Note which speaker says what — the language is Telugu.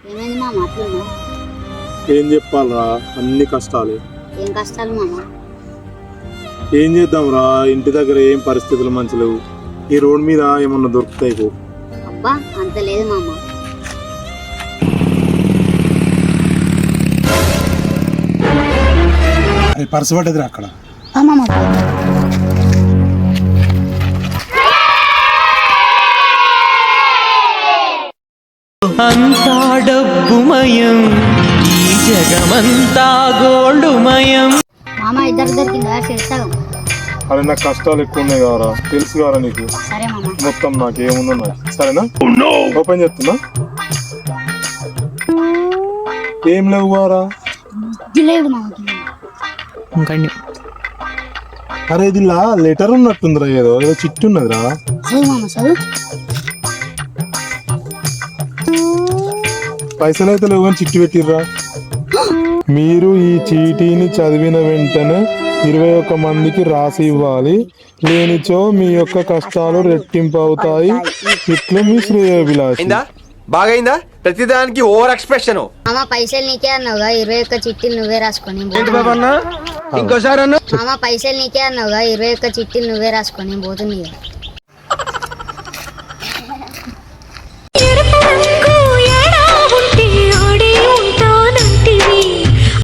Speaker 1: ఏమైంది మామ అట్లున్నా?
Speaker 2: ఏం చెప్పాలరా, అన్ని కష్టాలే.
Speaker 1: ఏం కష్టాలు మామ?
Speaker 2: ఏం చేద్దాంరా, ఇంటి దగ్గర ఏం పరిస్థితులు మంచి లేవు. ఈ రోడ్ మీద ఏమన్నా దొరుకుతాయి పో.
Speaker 1: అబ్బా అంత లేదు మామ.
Speaker 2: అది పర్సు పడ్డదిరా అక్కడ.
Speaker 1: మామ
Speaker 3: అంతా డబ్బుమయం, ఈ జగమంతా గోల్డుమయం.
Speaker 1: మామ ఇద్దరు దొరికిందా చేస్తావు?
Speaker 2: అరే నాకు కష్టాలు ఎక్కువ ఉన్నాయి కావరా, తెలుసు కారా నీకు.
Speaker 1: సరే మామ.
Speaker 2: మొత్తం నాకు ఏముందో నాకు సరేనా. ఓపెన్ చేస్తున్నా. ఏం లేవు కారా.
Speaker 1: లేదు మామ.
Speaker 2: అరే ఇది లెటర్ ఉన్నట్టుందిరా, ఏదో ఏదో చిట్టు ఉన్నదిరా.
Speaker 1: చదువు మామ చదువు.
Speaker 2: పైసలు అయితే లేవు కానీ చిట్టి పెట్టిర్రా. మీరు ఈ చీటీని చదివిన వెంటనే 21 మందికి రాసి ఇవ్వాలి. లేనిచో మీ యొక్క కష్టాలు రెట్టింపు అవుతాయి. ఇట్లు మీ శ్రేయోభిలాషి.
Speaker 4: బాగైందా? ప్రతిదానికి ఓవర్ ఎక్స్ప్రెషన్.
Speaker 1: మామ పైసలు నీకే అన్నావుగా, 21 చిట్టీలు నువ్వే రాసుకొని.
Speaker 4: ఇంకోసారి
Speaker 1: మామ పైసలు నీకే అన్నావుగా, 21 చిట్టీలు నువ్వే రాసుకొని పోతుంది.